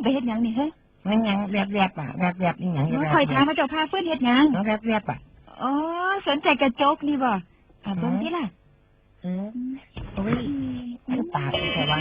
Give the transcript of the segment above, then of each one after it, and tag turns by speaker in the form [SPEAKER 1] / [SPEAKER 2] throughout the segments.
[SPEAKER 1] ไปเฮ็ดหยังนี่เฮ้ย
[SPEAKER 2] มันยังแวบๆอ่ะแวบๆนี่หยัง
[SPEAKER 1] คอยถามพระเจ้าพาฟื้นเฮ็ดหยัง
[SPEAKER 2] แวบๆอ่ะ
[SPEAKER 1] อ๋อสนใจกระจกนี่บ่เบิ่งดิล่ะ
[SPEAKER 2] โอ้ยมันปากแต่ว่า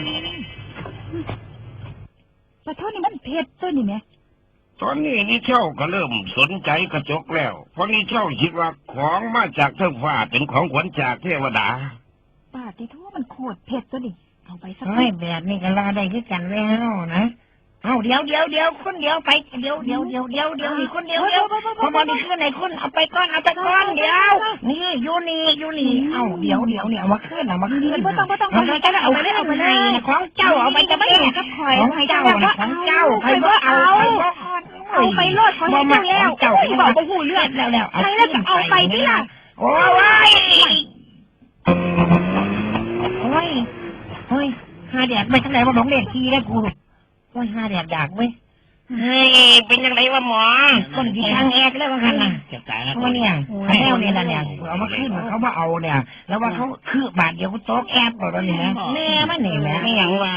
[SPEAKER 1] ปะโทษนี่มันเพชรตัวนี่แม่
[SPEAKER 3] ตอนนี้นี่เช่าก็เริ่มสนใจกระจกแล้วเพราะนี่เช่าคิดว่าของมาจากเทฟ้าเป็นของขวัญจากเทวดา
[SPEAKER 1] ป้าที่ทั่วมันโคตรเพชรตัวนี่เอาไปสัก
[SPEAKER 2] แบบนี้ก็ลาได้คือกันแล้วนะเอาเดี๋ยวคนเดียวไปเดี๋ยวนี่คนเดียวพอนี่ขึ้นไหนคุณเอาไปก่อนเดี๋ยวนี่อยู่นี่เอาเดี๋ยวเนี่ยเอามาขึ้น
[SPEAKER 1] บ่ต้อง
[SPEAKER 2] เอาไปเลยของเจ้าเอาไปจะไม่
[SPEAKER 1] กับข่อย
[SPEAKER 2] ของเจ้าของเจ้าใครบ่เอา
[SPEAKER 1] ไปโลดของเจ้าแล้วเจ้าบอกบ่ฮู้เรื่องแล้วใครแล้วก็เอาไปดิล่ะ
[SPEAKER 2] โอ้ยหาแดดไปทางไหนว่าหลงเด็กทีได้กูโอ้ยหาแดดดักเว้ย
[SPEAKER 3] เฮ้ยเป็นยังไงวะหมอ
[SPEAKER 2] คนที่ทางแอกแล้วว่ากันน่ะว่าเนี่ยแล้วเนี่ยนะเนี่ยเอามาขึ้นเขามาเอาเนี่ยแล้วว่าเขาคือบาทเดียวก็โต๊ะแอบหมดแล้วเนี่ยแม่มันนี่แหละ
[SPEAKER 3] ไม่อย่างว่า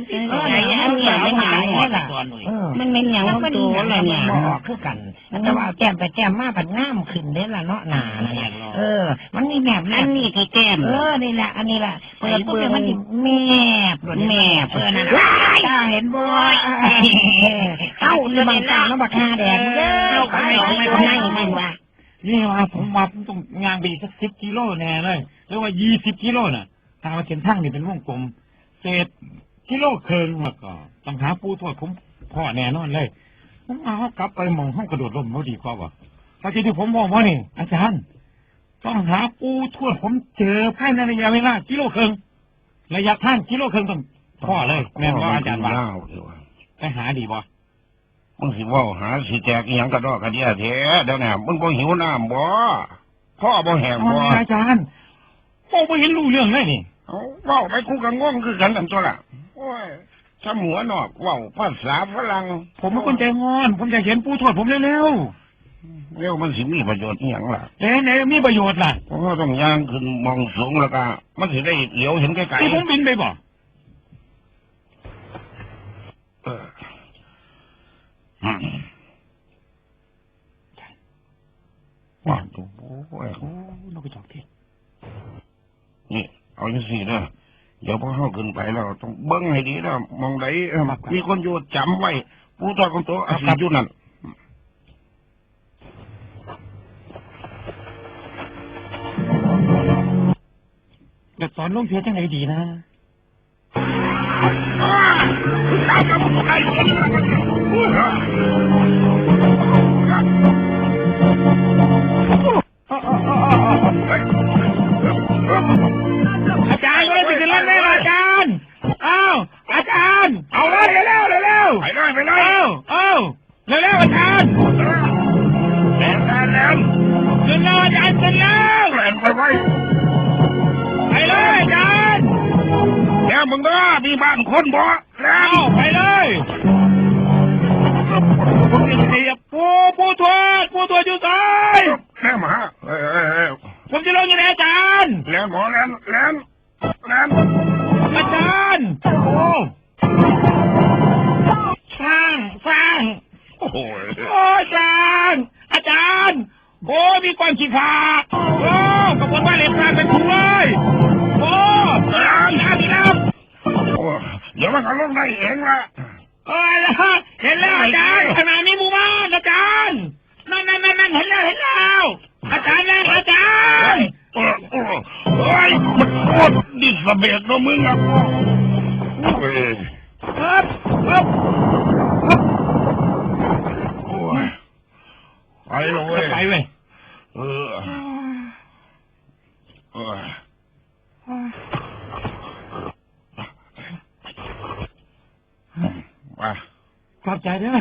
[SPEAKER 2] มันเป็นอย่างว่าตัวอะไรเนี่ยบอกคือกันแต่ว่าแก้มไปแก้มมาผัดง่ามขึ้นได้ละเนาะหนาเนี่ยมันมีแบบนั้น
[SPEAKER 3] นี่คือแก้ม
[SPEAKER 2] นี่แหละอันนี้แหละเปิดปุ๊บมันแม่เปิดนั่นเห็นบ่เอ้านี่บางตาแล้วบักฮาแดง
[SPEAKER 3] ไม่ว่านี่ว่าผมต้องงานไปสัก10 กิโลแน่เลยหรือว่า20 กิโลน่ะทางเส้นทางนี่เป็นวงกลมเศษกิโลครึ่งแล้วก็ต้องหาปูทวดผมพ่อแน่นอนเลยผมเอากลับไปมองห้องกระโดดร่มเขาดีกว่าว่ะตอนที่ผมบอกว่านี่อาจารย์ต้องหาปูทวดผมเจอภายในระยะเวลากิโลครึ่งระยะทางกิโลครึ่งต้องพ่อเลยแม่ว่าอาจารย์ว่าไปหาดีบ่มึงสิว่าหาสิแจกอีหยังกระดอกกระเดียแท้เดี๋ยวนี้มึงบ่หิวน้ำบ่พ่อบ่แห้งบ่อาจารย์พ่อบ่เห็นรู้เรื่องเลยนี่ว้าวไปกูก็ง่วงคือกันนั่นตัวล่ะโอ้ยถ้าหัวนอกว้าวภาษาฝรั่งผมเป็นคนใจงอนผมอยากเห็นปู่ทวดผมเร็วมันสิมีประโยชน์อีหยังล่ะไหนมีประโยชน์ล่ะเพราะว่าต้องย่างขึ้นมองสูงแล้วก็มันสิได้เหลียวเห็นไกลๆที่ผมบินไปบ่ว่าโอ้ยนกกระจอกเทศนี่เอาอย่างสี่นะเดี๋ยวพอเข้าขึ้นไปแล้วต้องเบิ้งให้ดีนะมองไหนมีคนอยู่จำไว้ผู้ตอของตัวอาศัยอยู่นั่นแต่ตอนลงเพียจังไหนดีนะอาจารย์ไม่ได้ไปเล่นเลยอาจารย์อาจารย์เอาเลยเร็วไปเลยเร็วอาจารย์แล้วขึ้นแล้วอาจารย์ขึ้นแล้วไปไว้ไปเลยอาจารย์แล้วมึงก็มีบ้านคนบ่แล้วไปเลยผมจะเสียปูทวดอยู่ซ้ายแม่หมาผมจะลงยังไงอาจารย์แล้วหมอแล้วอาจารย์โอ้สร้างโอ้อาจารย์โอ้มีความขี้ขลาดโอ้ขบวนว่าเล็บกลางเป็นถุงเลยโอ้ดีน้ำโอ้เดี๋ยวมันก็ลงได้เองละเห็นแล้วอาจารย์ขนาดนี้มูบ้านอาจารย์นั่นเห็นแล้วอาจารย์แล้วอาจารย์โอ้ยมันโคตรดิสเบตนะมึงอะครับไปเลยไปเว้ยขอบใจด้วย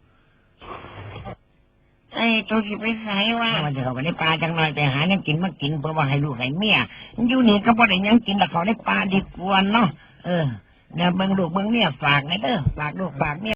[SPEAKER 3] ตัวสิไปใส่ว่ามันจะเข้าไปในป่าจังหน่อยไปหายังกินมากินเพราะว่าให้ลูกให้เมียอยู่นี่ก็บ่ได้ยังกินแต่เขาในป่าดีกว่าเนาะเดี๋ยวเบิ่งลูกเบิ่งเมียฝากนะเด้อฝากลูกฝากเมีย